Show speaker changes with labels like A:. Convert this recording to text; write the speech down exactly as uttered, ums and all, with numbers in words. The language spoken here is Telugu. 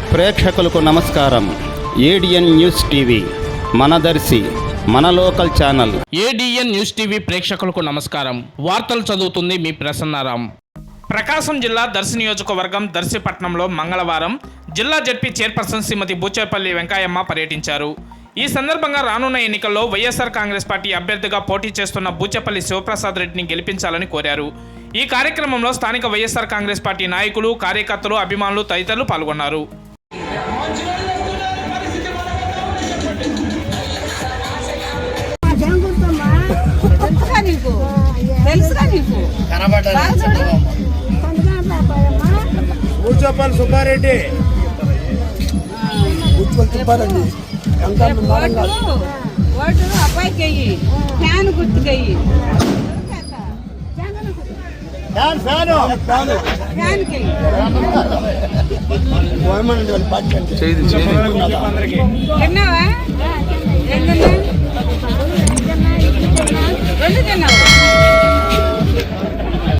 A: ప్రేక్షకులకు నమస్కారం. ఏడిఎన్ న్యూస్ టీవీ మనదర్శి మన local channel.
B: ADN news TV ప్రేక్షకులకు నమస్కారం. వార్తలు చదువుతుంది మీ ప్రసన్నారాం. ప్రకాశం జిల్లా దర్శి నియోజకవర్గం దర్శి పట్టణంలో మంగళవారం జిల్లా జడ్పీ చైర్పర్సన్ శ్రీమతి బూచేపల్లి వెంకయ్యమ్మ పర్యటించారు. ఈ సందర్భంగా రానున్న ఎన్నికల్లో వైఎస్ఆర్ కాంగ్రెస్ పార్టీ అభ్యర్థిగా పోటీ చేస్తున్న బూచేపల్లి శివప్రసాద్ రెడ్డిని గెలిపించాలని కోరారు. ఈ కార్యక్రమంలో స్థానిక వైఎస్ఆర్ కాంగ్రెస్ పార్టీ నాయకులు, కార్యకర్తలు, అభిమానులు తదితరులు పాల్గొన్నారు.
C: బూచేపల్లి సుబ్బారెడ్డి సుబ్బారెడ్డి
D: ఓటు అబ్బాయికి అయ్యి ఫ్యాన్ గుర్తుకయ్యి విన్నావా?